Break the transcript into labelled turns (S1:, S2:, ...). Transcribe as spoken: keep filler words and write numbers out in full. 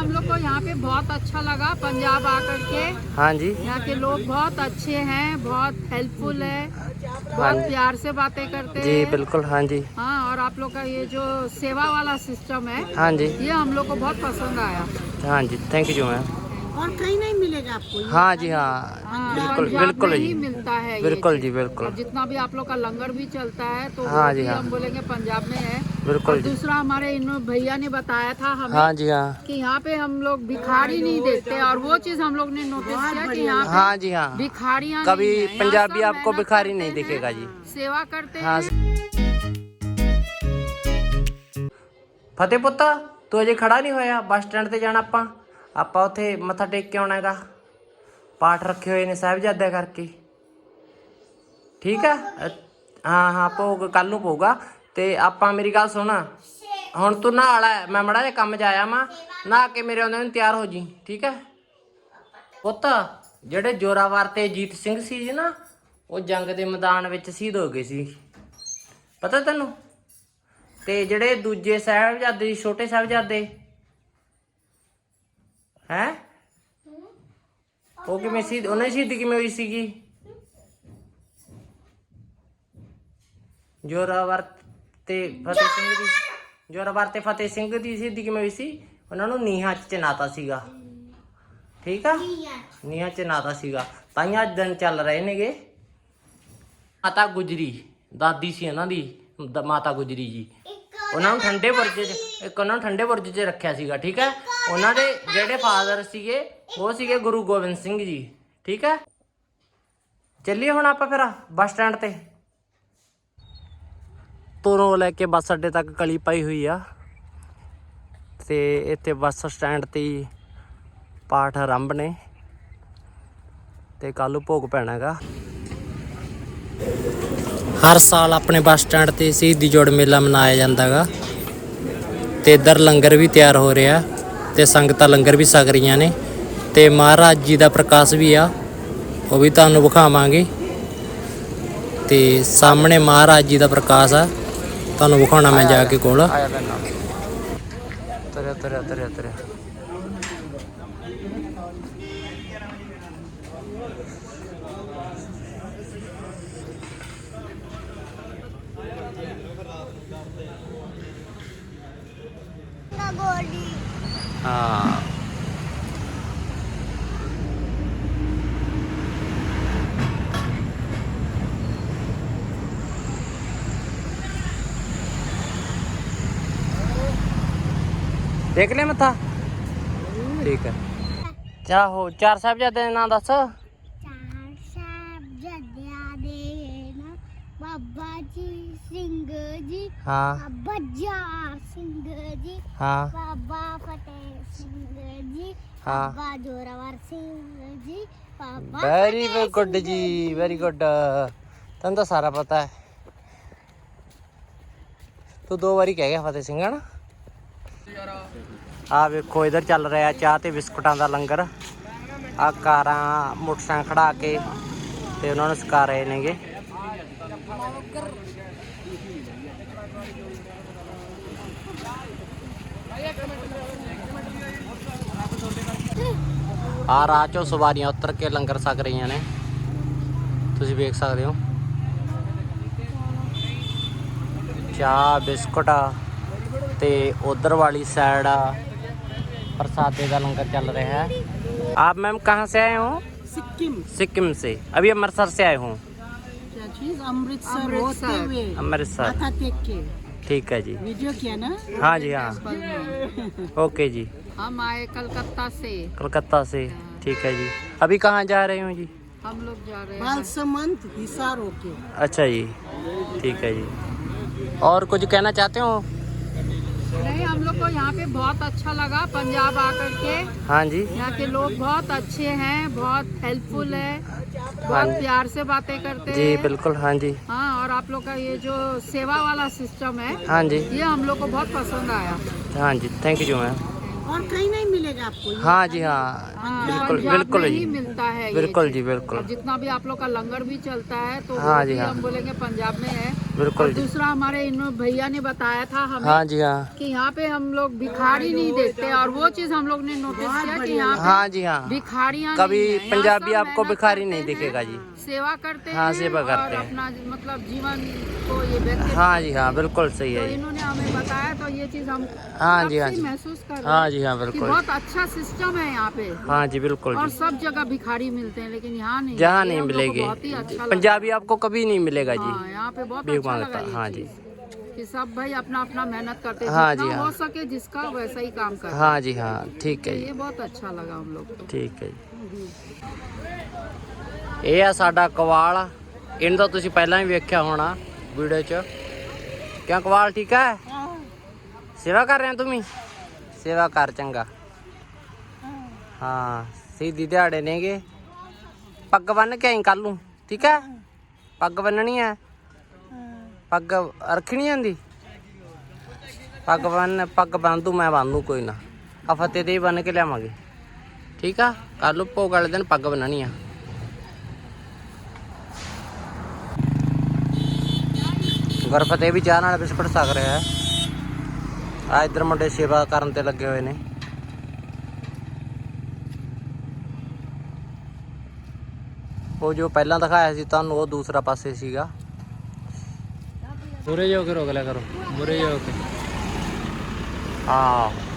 S1: हम लोग को यहाँ पे बहुत अच्छा लगा पंजाब आकर के।
S2: हाँ जी।
S1: यहाँ के लोग बहुत अच्छे हैं, बहुत हेल्पफुल है, बहुत प्यार से बातें करते
S2: जी
S1: हैं।
S2: बिल्कुल। हाँ जी।
S1: हाँ, और आप लोग का ये जो सेवा वाला सिस्टम है,
S2: हाँ जी,
S1: ये हम लोग को बहुत पसंद आया।
S2: हाँ जी, थैंक यू मैम।
S3: और कहीं नहीं मिलेगा आपको ये?
S2: हाँ जी हाँ,
S1: हाँ,
S2: बिल्कुल
S1: पंजाब
S2: बिल्कुल
S1: में
S2: जी,
S1: ही मिलता है ये
S2: बिल्कुल
S1: चीज़।
S2: जी बिल्कुल।
S1: और जितना भी आप लोग का लंगर भी चलता है तो
S2: हाँ
S1: वो
S2: जी
S1: भी
S2: हाँ,
S1: हम बोलेंगे पंजाब में है।
S2: बिल्कुल
S1: और
S2: जी।
S1: दूसरा हमारे इन भैया ने बताया था हमें
S2: हाँ जी हाँ,
S1: कि यहाँ पे हम लोग भिखारी नहीं देखते, और वो चीज हम लोग ने नोटिस किया कि यहाँ पे
S2: हाँ जी हाँ,
S1: भिखारियाँ
S2: कभी
S1: नहीं हैं। यहाँ
S2: पंजाबी
S1: सब
S2: आपको
S1: मेहनत
S2: भिखारी
S1: करते
S2: नहीं
S1: हैं,
S2: दिखेगा जी।
S1: सेवा करते
S2: हाँ।
S1: हैं।
S2: ਫਤਿਹ ਪੁੱਤ, ਤੂੰ ਅਜੇ ਖੜਾ ਨਹੀਂ ਹੋਇਆ? ਬੱਸ ਸਟੈਂਡ ਤੇ ਜਾਣਾ ਆਪਾਂ ਆਪਾਂ ਉੱਥੇ ਮੱਥਾ ਟੇਕ ਕੇ ਆਉਣਾ ਹੈਗਾ। ਪਾਠ ਰੱਖੇ ਹੋਏ ਨੇ ਸਾਹਿਬਜ਼ਾਦਿਆਂ ਕਰਕੇ, ਠੀਕ ਆ? ਹਾਂ ਹਾਂ, ਭੋਗ ਕੱਲ ਨੂੰ ਪਊਗਾ। ਤੇ ਆਪਾਂ, ਮੇਰੀ ਗੱਲ ਸੁਣ, ਹੁਣ ਤੂੰ ਨਹਾ ਲੈ, ਮੈਂ ਮੜਾ ਜਿਹਾ ਕੰਮ ਜਾਇਆ ਮਾਂ, ਨਹਾ ਕੇ ਮੇਰੇ ਆਉਂਦੇ ਨੂੰ ਤਿਆਰ ਹੋ ਜੀ, ਠੀਕ ਹੈ ਪੁੱਤ? ਜਿਹੜੇ ਜੋਰਾਵਰ ਤੇ ਜੀਤ ਸਿੰਘ ਸੀ ਜੀ ਨਾ, ਉਹ ਜੰਗ ਦੇ ਮੈਦਾਨ ਵਿੱਚ ਸ਼ਹੀਦ ਹੋ ਗਏ ਸੀ, ਪਤਾ ਤੈਨੂੰ? ਤੇ ਜਿਹੜੇ ਦੂਜੇ ਸਾਹਿਬਜ਼ਾਦੇ ਸੀ, ਛੋਟੇ ਸਾਹਿਬਜ਼ਾਦੇ ਹੈ, ਉਹ ਕਿਵੇਂ ਸੀ? ਉਹਨਾਂ ਦੀ ਸ਼ਹੀਦੀ ਕਿਵੇਂ ਹੋਈ ਸੀਗੀ? ਜੋਰਾਵਰ ਤੇ ਫਤਿਹ ਸਿੰਘ ਦੀ, ਜੋਰਾਵਰ ਤੇ ਫਤਿਹ ਸਿੰਘ ਦੀ ਸ਼ਹੀਦੀ ਕਿਵੇਂ ਹੋਈ ਸੀ? ਉਹਨਾਂ ਨੂੰ ਨੀਹਾਂ 'ਚ ਚਿਣਾਤਾ ਸੀਗਾ, ਠੀਕ ਆ? ਨੀਹਾਂ 'ਚ ਚਿਣਾਤਾ ਸੀਗਾ, ਤਾਂ ਹੀ ਅੱਜ ਦਿਨ ਚੱਲ ਰਹੇ ਨੇਗੇ। ਮਾਤਾ ਗੁਜਰੀ ਦਾਦੀ ਸੀ ਉਹਨਾਂ ਦੀ, ਦ- ਮਾਤਾ ਗੁਜਰੀ ਜੀ, ਉਹਨਾਂ ਨੂੰ ਠੰਡੇ ਬੁਰਜ 'ਚ, ਇੱਕ ਉਹਨਾਂ ਨੂੰ ਠੰਡੇ ਬੁਰਜ 'ਚ ਰੱਖਿਆ ਸੀਗਾ, ਠੀਕ ਹੈ? ਉਹਨਾਂ ਦੇ ਜਿਹੜੇ ਫਾਦਰ ਸੀਗੇ ਉਹ ਸੀਗੇ ਗੁਰੂ ਗੋਬਿੰਦ ਸਿੰਘ ਜੀ, ਠੀਕ ਹੈ? ਚੱਲੀਏ ਹੁਣ ਆਪਾਂ ਫਿਰ ਬੱਸ ਸਟੈਂਡ ਤੇ। ਤੁਰੋਂ ਲੈ ਕੇ ਬੱਸ ਅੱਡੇ ਤੱਕ ਕਲੀ ਪਾਈ ਹੋਈ ਆ, ਤੇ ਇੱਥੇ ਬੱਸ ਸਟੈਂਡ ਤੇ ਹੀ ਪਾਠ ਆਰੰਭ ਨੇ, ਤੇ ਕੱਲ੍ਹ ਨੂੰ ਭੋਗ ਪੈਣਾ ਹੈਗਾ। ਹਰ ਸਾਲ ਆਪਣੇ ਬੱਸ ਸਟੈਂਡ ਤੇ ਸ਼ਹੀਦੀ ਜੋੜ ਮੇਲਾ ਮਨਾਇਆ ਜਾਂਦਾ ਹੈਗਾ, ਤੇ ਇੱਧਰ ਲੰਗਰ ਵੀ ਤਿਆਰ ਹੋ ਰਿਹਾ, ਤੇ ਸੰਗਤਾਂ ਲੰਗਰ ਵੀ ਛਕ ਰਹੀਆਂ ਨੇ, ਤੇ ਮਹਾਰਾਜ ਜੀ ਦਾ ਪ੍ਰਕਾਸ਼ ਵੀ ਆ, ਉਹ ਵੀ ਤੁਹਾਨੂੰ ਵਿਖਾਵਾਂਗੇ। ਤੇ ਸਾਹਮਣੇ ਮਹਾਰਾਜ ਜੀ ਦਾ ਪ੍ਰਕਾਸ਼ ਆ, ਤੁਹਾਨੂੰ ਵਿਖਾਉਣਾ ਮੈਂ ਜਾ ਕੇ ਕੋਲ। ਤਰਿਆ ਤਰਿਆ ਤਰਿਆ ਤਰਿਆ हाँ। देख ले मथा, ठीक है। चाहो चार साहिबजादे दे नाम दस।
S4: ਚਾਰ ਸਾਹਿਬਜ਼ਾਦਿਆਂ ਦੇ ਨਾ ਬਾਬਾ ਜੀ ਸਿੰਘ ਜੀ,
S2: हाँ
S4: ਬਾਬਾ ਜਵਾਹਰ ਸਿੰਘ ਜੀ,
S2: हाँ
S4: ਬਾਬਾ ਫਤਿਹ ਸਿੰਘ ਜੀ,
S2: हाँ।
S4: ਬਾਬਾ Zorawar Singh ji, Baba
S2: very
S4: Fateh
S2: good
S4: Singh
S2: ji, very good. तेन तो सारा पता है, तू दो बारी कह गया फतेह सिंह है ना। आ वेखो इधर चल रहा चाह ते बिस्कुटां दा लंगर। आ कारां मोटरसाइकिल खड़ा के ते उन्होंने सिखा रहे नेगे। आ राह चों सवारियां उतर के लंगर छक रही ने, तुसीं वेख सकदे हो। चाह बिस्कुट ते उधर वाली साइड प्रसादे का लंगर चल रहा है। आप मैम कहाँ से आए हो?
S3: सिक्किम।
S2: सिक्किम से। अभी अमृतसर से आए हूँ।
S3: क्या चीज? अमृतसर होते हुए
S2: अमृतसर,
S3: माथा टेक के
S2: ठीक है जी।
S3: वीडियो किया ना?
S2: हाँ जी हाँ, ओके जी।
S1: हम आए कलकत्ता से,
S2: कलकत्ता से, ठीक है जी। अभी कहाँ जा रहे हो जी?
S1: हम लोग जा रहे हैं
S3: बालसमंद हिसार होके।
S2: अच्छा जी, ठीक है जी। और कुछ कहना चाहते हो?
S1: नहीं, हम लोग को यहाँ पे बहुत अच्छा लगा पंजाब आकर के।
S2: हाँ जी,
S1: यहाँ के लोग बहुत अच्छे हैं, बहुत हेल्पफुल है, बहुत
S2: जी।
S1: प्यार से बातें करते
S2: जी
S1: हैं।
S2: बिल्कुल। हाँ जी,
S1: हाँ, और आप लोग का ये जो सेवा वाला सिस्टम है,
S2: हाँ जी,
S1: ये हम लोग को बहुत पसंद आया।
S2: हाँ जी, थैंक यू मैम।
S3: और कहीं नहीं मिलेगा आपको ये?
S2: हाँ जी हाँ,
S1: हाँ,
S2: बिल्कुल
S1: पंजाब
S2: बिल्कुल
S1: में
S2: जी,
S1: ही मिलता है ये
S2: बिल्कुल
S1: चीज़।
S2: जी बिल्कुल।
S1: और जितना भी आप लोग का लंगर भी चलता है तो
S2: हाँ
S1: वो
S2: जी,
S1: भी
S2: हाँ।
S1: हम बोलेंगे पंजाब में है।
S2: बिल्कुल
S1: और
S2: जी।
S1: दूसरा हमारे इन भैया ने बताया था हमें
S2: हाँ जी हाँ
S1: कि यहाँ पे हम लोग भिखारी नहीं देखते, और वो चीज हम लोग ने नोटिस किया कि यहाँ पे
S2: हाँ जी हाँ
S1: भिखारियाँ
S2: कभी
S1: नहीं हैं। यहाँ
S2: पंजाबी
S1: सब
S2: आपको
S1: मेहनत
S2: भिखारी
S1: करते
S2: नहीं
S1: हैं,
S2: दिखेगा जी।
S1: सेवा करते
S2: हाँ,
S1: हैं
S2: सेवा
S1: और
S2: करते हैं।
S1: अपना मतलब जीवन को ये व्यक्ति
S2: हाँ जी हाँ बिल्कुल सही
S1: तो
S2: है जी।
S1: इन्होंने हमें बताया, तो ये चीज हम
S2: हाँ
S1: तब
S2: जी हाँ
S1: से
S2: जी
S1: महसूस कर रहे
S2: हाँ
S1: हैं
S2: जी हाँ
S1: कि
S2: बिल्कुल
S1: बहुत अच्छा सिस्टम है यहाँ पे,
S2: हाँ जी बिल्कुल
S1: और
S2: जी।
S1: सब जगह भिखारी मिलते हैं, लेकिन यहाँ नहीं।
S2: जहाँ
S1: ये
S2: नहीं
S1: हम लोग को
S2: मिलेगी
S1: बहुत ही अच्छा लगा।
S2: पंजाबी आपको कभी नहीं मिलेगा जी।
S1: हाँ, यहाँ पे बहुत
S2: भीख
S1: अच्छा
S2: मांगता,
S1: लगा ये
S2: हाँ
S1: चीज, कि सब भाई अपना अपना मेहनत करते हैं,
S2: हाँ
S1: जितना
S2: जी, हाँ।
S1: हो सके जिसका वैसा ही काम करते हैं।
S2: हाँ जी हाँ ठीक
S1: तो
S2: है
S1: ये
S2: जी
S1: बहुत अच्छा लगा हम लोग को।
S2: ਠੀਕ ਹੈ ਜੀ। ਇਹ ਆ ਸਾਡਾ ਕਵਾਲ, ਇਹਨੂੰ ਤਾਂ ਤੁਸੀਂ ਪਹਿਲਾਂ ਹੀ ਵੇਖਿਆ ਹੋਣਾ ਵੀਡੀਓ 'ਚ। ਕਿਉਂ ਕਵਾਲ ਠੀਕ ਹੈ? ਸੇਵਾ ਕਰ ਰਹੇ ਤੁਸੀਂ? ਸੇਵਾ ਕਰ ਚੰਗਾ। ਹਾਂ ਸਿੱਧੀ ਦਿਹਾੜੇ ਨੇਗੇ। ਪੱਗ ਬੰਨ ਕੇ ਆਈ ਕੱਲ ਨੂੰ, ਠੀਕ ਹੈ? ਪੱਗ ਬੰਨਣੀ ਹੈ, ਪੱਗ ਰੱਖਣੀ ਆਂਦੀ? ਪੱਗ ਬੰਨ ਪੱਗ ਬੰਨ ਦੂੰ, ਮੈਂ ਬੰਨ ਦੂੰ, ਕੋਈ ਨਾ। ਆ ਫਤਿਹ ਤੇ ਹੀ ਬੰਨ ਕੇ ਲਿਆਵਾਂਗੇ, ਠੀਕ ਆ? ਕੱਲ ਨੂੰ ਭੋਗ ਵਾਲੇ ਦਿਨ ਪੱਗ ਬੰਨਣੀ ਆ। ਗੁਰਫਤਿਹ ਵੀ ਚਾਹ ਨਾਲ ਬਿਸਕੁਟ ਛਕ ਰਿਹਾ ਹੈ। ਆ ਇੱਧਰ ਮੁੰਡੇ ਸੇਵਾ ਕਰਨ ਤੇ ਲੱਗੇ ਹੋਏ ਨੇ। ਉਹ ਜੋ ਪਹਿਲਾਂ ਦਿਖਾਇਆ ਸੀ ਤੁਹਾਨੂੰ, ਉਹ ਦੂਸਰਾ ਪਾਸੇ ਸੀਗਾ। ਮੁਰੇ ਜੋ ਕੇ ਰੋਕ ਲਿਆ ਕਰੋ, ਮੁਰੇ ਜੋ ਕੇ। ਹਾਂ